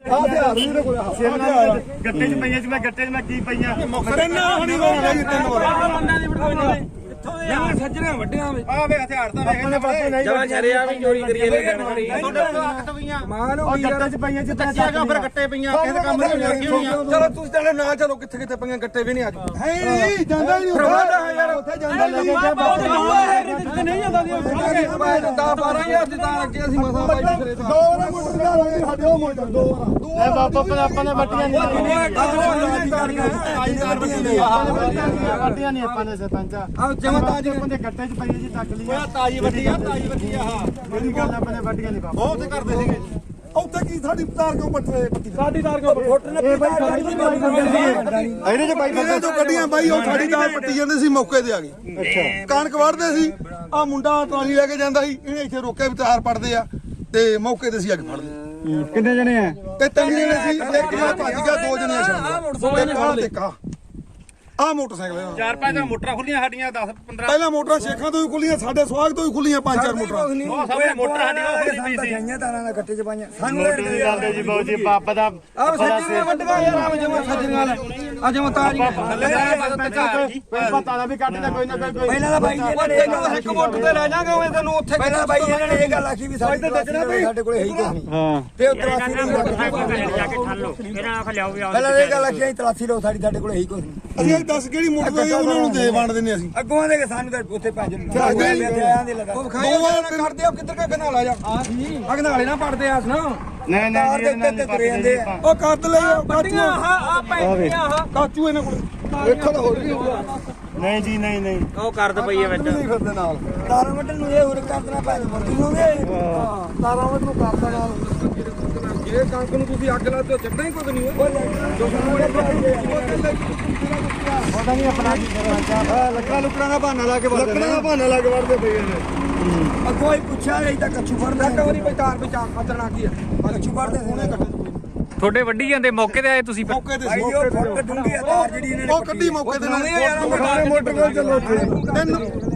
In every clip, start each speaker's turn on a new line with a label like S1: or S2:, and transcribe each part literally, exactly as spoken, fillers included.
S1: ਆ ਹਥਿਆਰ ਵੀ ਇਹਦੇ ਕੋਲ ਆ
S2: ਗੱਟੇ 'ਚ ਪਈਆਂ ਸੀ ਮੈਂ ਗੱਟੇ 'ਚ ਮੈਂ ਕੀ ਪਈਆਂ
S1: ਤਿੰਨ ਹਣੀ ਵਾਲਾ ਜੀ ਤਿੰਨ ਵਾਰ
S3: ਯਾਰ ਸੱਜਣਾ ਵੱਡਿਆਂ ਵਿੱਚ
S2: ਆ ਵੇ ਹਥਿਆਰ ਤਾਂ ਵੇਖਣੇ ਪਏ
S3: ਜਵਾ ਛਰਿਆ ਵੀ ਚੋਰੀ ਕਰੀਏ ਨੇ ਗਣ ਖੜੀ
S2: ਮਾਨ ਹੋ ਗੱਟੇ 'ਚ ਪਈਆਂ ਸੀ ਤਾਂ ਕਿਹਾ ਫਿਰ ਗੱਟੇ ਪਈਆਂ ਕਿਸੇ ਕੰਮ ਨਹੀਂ ਲੱਗੀ ਹੋਈਆਂ
S1: ਚਲੋ ਤੁਸੀਂ ਤਾਂ ਨਾ ਚਲੋ ਕਿੱਥੇ ਕਿੱਥੇ ਪਈਆਂ ਗੱਟੇ ਵੀ ਨਹੀਂ ਅੱਜ ਹੈ ਨਹੀਂ ਜਾਂਦਾ ਹੀ ਨਹੀਂ ਯਾਰ ਉੱਥੇ ਜਾਂਦਾ ਲੱਗੇ
S3: ਤੇ ਨਹੀਂ ਜਾਂਦਾ
S1: ਦਸ ਬਾਰਾਂ ਹਜ਼ਾਰ ਦੀ ਤਾਂ ਅੱਗੇ ਅਸੀਂ ਮਸਾਂ ਬਾਈ ਫਿਰੇ ਦੋ ਵਾਰ ਮੋਟਰ ਦਾ ਲਾਂਗੇ ਸਾਡੇ ਉਹ ਮੋਟਰ ਦੋ ਵਾਰ
S2: ਐ ਬਾਬਾ ਆਪਾਂ ਨੇ ਵੱਟੀਆਂ ਨਹੀਂ ਵੱਟੀਆਂ ਨਹੀਂ ਆਪਾਂ ਨੇ ਸਰਪੰਚ
S1: ਆ ਜਮਾ ਤਾਜ
S2: ਆਪਾਂ ਦੇ ਗੱਟੇ 'ਚ ਪਈਆਂ ਜੀ ਤੱਕ ਲਈ
S1: ਤਾਜੀ ਵੱਡੀ ਆ ਤਾਜੀ ਵੱਡੀ ਆ ਹਾਂ
S2: ਮੇਰੀ ਗੱਲ ਆਪਾਂ ਨੇ ਵੱਟੀਆਂ ਨਹੀਂ ਬਾਬਾ
S1: ਬਹੁਤ ਕਰਦੇ ਸੀਗੇ ਉੱਥੇ ਕੀ ਸਾਡੀ ਤਾਰ ਕਿਉਂ ਪੱਟੇ ਪੱਟੀ
S3: ਸਾਡੀ ਤਾਰ ਕੋ ਫੁੱਟ ਨੇ
S2: ਇਹਦੇ 'ਚ ਬਾਈ
S1: ਇਹ ਤੋਂ ਗੱਡੀਆਂ ਬਾਈ ਉਹ ਸਾਡੀ ਤਾਰ ਪੱਟੀ ਜਾਂਦੇ ਸੀ ਮੌਕੇ ਤੇ ਆ ਗਈ ਅੱਛਾ ਕਣਕ ਵੜਦੇ ਸੀ ਆ ਮੁੰਡਾ ਟਰਾਲੀ ਲੈ ਕੇ ਜਾਂਦਾ ਸੀ ਇਹਨੇ ਇੱਥੇ ਰੋਕਿਆ ਵੀ ਤਾਰ ਪੱਟਦੇ ਆ ਤੇ ਮੌਕੇ ਤੇ ਸੀ ਅੱਗ ਫੜਦੇ
S2: ਕਿੰਨੇ ਜਣੇ ਆ
S1: ਤੇ ਤਿੰਨ ਜਣੇ ਸੀ ਇੱਕ ਮੈਂ ਭੱਜ ਗਿਆ ਦੋ ਜਣੇ ਛੱਡ ਇੱਕ ਆ ਤੇ ਕਾ ਆ ਮੋਟਰਸਾਈਕਲ
S2: ਚਾਰ ਪੰਜ ਮੋਟਰਾਂ ਖੁੱਲੀਆਂ ਸਾਡੀਆਂ ਦਸ ਪੰਦਰਾਂ
S1: ਪਹਿਲਾਂ ਮੋਟਰਾਂ ਸ਼ੇਖਾਂ ਤੋਂ ਵੀ ਖੁੱਲੀਆਂ ਸਾਡੇ ਸਵਾਗ ਤੋਂ ਵੀ ਖੁੱਲੀਆਂ ਪੰਜ ਚਾਰ ਮੋਟਰਾਂ
S2: ਉਹ ਸਾਹਮਣੇ ਮੋਟਰ ਸਾਡੀ ਉਹ ਖੁੱਲੀ ਪਈ ਸੀ
S3: ਗਈਆਂ ਤਾਰਾਂ ਨਾਲ ਗੱਟੇ ਚ ਪਾਈਆਂ
S2: ਸਾਨੂੰ ਦੀ ਗੱਲ ਤੇ ਜੀ ਬਾਊ ਜੀ ਪਾਪ ਦਾ
S3: ਆ ਸੱਜੀਆਂ ਵੱਡੀਆਂ ਯਾਰ ਆ ਜਮਾ ਸੱਜੀਆਂ ਲੈ ਆ ਜਮਾ ਤਾਰੀ
S2: ਪਤਾ ਨਾ ਵੀ ਕੱਢਦਾ ਕੋਈ ਨਾ ਕੋਈ
S3: ਪਹਿਲਾਂ ਤਾਂ ਬਾਈ ਇਹਨਾਂ ਨੇ ਤੈਨੂੰ ਇੱਕ ਮੋਟਰ ਤੇ ਲੈ ਜਾਗਾ ਮੈਂ ਤੈਨੂੰ ਉੱਥੇ ਪਹਿਲਾਂ ਬਾਈ ਇਹਨਾਂ ਨੇ ਇਹ ਗੱਲ ਆਖੀ ਵੀ ਸਾਡੇ ਸਾਡੇ ਕੋਲੇ ਹੈ ਹੀ ਕੁਝ ਨਹੀਂ
S2: ਹਾਂ
S3: ਤੇ ਤਲਾਸੀ ਨਹੀਂ
S4: ਜਾ ਕੇ ਠੱਲ ਲੋ ਇਹਨਾਂ ਆਖ ਲਿਆਓ ਵੀ ਆਓ
S3: ਪਹਿਲਾਂ ਇਹ ਗੱਲ ਆਖੀ ਤਲਾਸੀ ਲਓ ਸਾਡੀ ਸਾਡੇ ਕੋਲੇ ਹੈ ਹੀ ਕੁਝ ਨਹੀਂ
S1: ਅਸੀਂ ਇਹ ਦੱਸ ਕਿਹੜੀ ਮੋਟਰ ਦੇ ਉਹਨਾਂ ਨੂੰ ਦੇ ਵੰਡ ਦਿੰਦੇ ਅਸੀਂ
S3: ਅੱਗੋਂ ਦੇ ਸਾਨੂੰ ਤਾਂ ਉੱਥੇ ਭੱਜ
S1: ਦੋ ਵਾਰ
S3: ਕਰਦੇ ਆ ਕਿੱਧਰ ਕਾ ਗਨਾਲਾ ਜਾ ਆ ਗਨਾਲੇ ਨਾ ਪੜਦੇ ਆਸ ਨਾ
S2: ਨਹੀਂ ਨਹੀਂ ਜੀ ਇਹਨਾਂ ਨੇ
S3: ਤੁਰੇ ਜਾਂਦੇ ਆ
S1: ਉਹ ਕੱਦ ਲਈ ਕਾਚੂ
S3: ਆਹ ਆ ਪੈਂਦੀਆਂ ਆਹ
S1: ਕਾਚੂ ਇਹਨਾਂ ਕੋਲ ਵੇਖੋ ਤਾਂ ਹੋਰ ਵੀ ਹੋਊਗਾ
S2: ਨਹੀਂ ਜੀ ਨਹੀਂ ਨਹੀਂ
S4: ਉਹ ਕਰਦ ਪਈ ਹੈ ਵਿੱਚ
S1: ਨਹੀਂ ਫਿਰਦੇ ਨਾਲ
S3: ਤਾਰਾਂ ਵੱਢਣ ਨੂੰ ਇਹ ਹੋਰ ਕਰ ਦੇਣਾ ਪੈ ਮਰਦੀ
S1: ਤਾਰਾਂ ਵੱਲ ਨੂੰ ਕਰਦਾ ਨਾਲ ਜੇ ਕਣਕ ਨੂੰ ਤੁਸੀਂ ਅੱਗ ਲਾ ਦਿਓ ਚੱਟਾ ਹੀ ਕੁਝ ਨਹੀਂ
S2: ਪਤਾ ਨਹੀਂ ਆਪਣਾ ਕੀ ਕਰਨਾ
S1: ਲੱਕੜਾਂ ਲੁਕੜਾਂ ਦਾ ਬਹਾਨਾ ਲਾ ਕੇ ਵਰਦੇ ਲੱਕੜਾਂ ਦਾ ਬਹਾਨਾ ਲਾ ਕੇ ਵਰਦੇ ਪਏ ਨੇ
S3: ਅੱਗੋਂ ਹੀ ਪੁੱਛਿਆ ਨਹੀਂ ਤਾਂ ਕੱਛੂ ਫੜਦਾ
S1: ਇੱਕ ਵਾਰੀ ਬਚਾਰ ਬਚਾ ਖਤਰਨਾਕ ਹੀ ਆ
S3: ਕੱਛੂ ਫੜਦੇ ਸੋਹਣੇ ਕੱਟੇ
S4: ਤੁਹਾਡੇ ਵੱਡੀ ਜਾਂਦੇ ਮੌਕੇ ਤੇ ਆਏ ਤੁਸੀਂ ਫਿਰ
S1: ਮੌਕੇ ਤੇ
S3: ਭਾਈ
S1: ਸੀ
S3: ਉਹ ਫੁੱਟ ਡੂੰਗੀ ਆ ਤਾਰ ਜਿਹੜੀ ਇਹਨਾਂ ਨੇ
S1: ਉਹ ਕੱਢੀ ਮੌਕੇ ਤੇ ਨਾਲ
S3: ਯਾਰ
S1: ਮੋਟਰ ਨਾਲ ਚੱਲੋ ਤਿੰਨ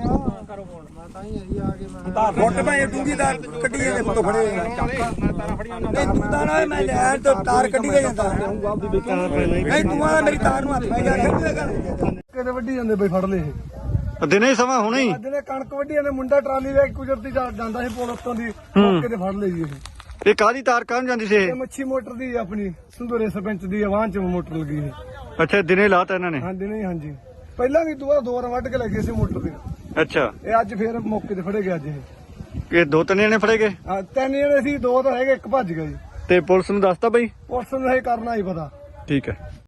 S3: ਫੁੱਟ ਭਾਈ ਡੂੰਗੀ ਤਾਰ ਕੱਢੀ ਜਾਂਦੇ ਫੁੱਟ ਫੜੇ ਨਹੀਂ ਤੂੰ ਤਾਂ ਨਾ ਮੈਂ ਨਹਿਰ ਤੋਂ ਤਾਰ ਕੱਢੀ ਕੇ ਜਾਂਦਾ ਨਹੀਂ ਤੂੰ ਆ ਮੇਰੀ ਤਾਰ ਨੂੰ ਹੱਥ ਪੈ ਗਿਆ
S1: ਕਿਤੇ ਵੱਢੀ ਜਾਂਦੇ ਬਈ ਫੜ ਲਏ
S2: ਦਿਨੇ ਸਮਾਂ ਹੁਣੇ ਹੀ
S1: ਅੱਜ ਨੇ ਕਣਕ ਵੱਢੀ ਜਾਂਦੇ ਮੁੰਡਾ ਟਰਾਲੀ ਲੈ ਕੇ ਕੁਦਰਤੀ ਜਾਂਦਾ ਸੀ ਪੁਲ ਉੱਤੋਂ ਦੀ ਮੌਕੇ ਤੇ ਫੜ ਲਈ ਜੀ ਇਹ
S2: ਇਹ ਕਾਹਦੀ ਤਾਰ ਕਾਹਨ ਜਾਂਦੀ ਸੀ
S1: ਇਹ ਮੱਛੀ ਮੋਟਰ ਦੀ ਆਪਣੀ ਸੰਧੂਰੇ ਸਰਪੰਚ ਦੀ ਆਵਾਜ਼ ਚ ਮੋਟਰ ਲੱਗੀ ਸੀ
S2: ਅੱਛਾ ਦਿਨੇ ਲਾਤਾ ਇਹਨਾਂ ਨੇ
S1: ਹਾਂਜੀ ਨਹੀਂ ਹਾਂਜੀ ਪਹਿਲਾਂ ਵੀ ਦੁਆ ਦੋ ਵਾਰ ਵੱਢ ਕੇ ਲੱਗੇ ਸੀ ਮੋਟਰ ਦੀ
S2: ਅੱਛਾ
S1: ਇਹ ਅੱਜ ਫੇਰ ਮੌਕੇ ਤੇ ਫੜੇ ਗਏ ਅੱਜ ਇਹ
S2: ਇਹ ਦੋ ਤਿੰਨ ਜਣੇ ਫੜੇ ਗਏ
S1: ਆ ਤਿੰਨ ਜਣੇ ਸੀ ਦੋ ਤਾਂ ਹੈਗੇ ਇੱਕ ਭੱਜ ਗਿਆ ਜੀ
S2: ਤੇ ਪੁਲਿਸ ਨੂੰ ਦੱਸਤਾ ਬਈ
S1: ਪੁਲਿਸ ਨੂੰ ਇਹ ਕਰਨਾ ਹੀ ਪਤਾ
S2: ਠੀਕ ਹੈ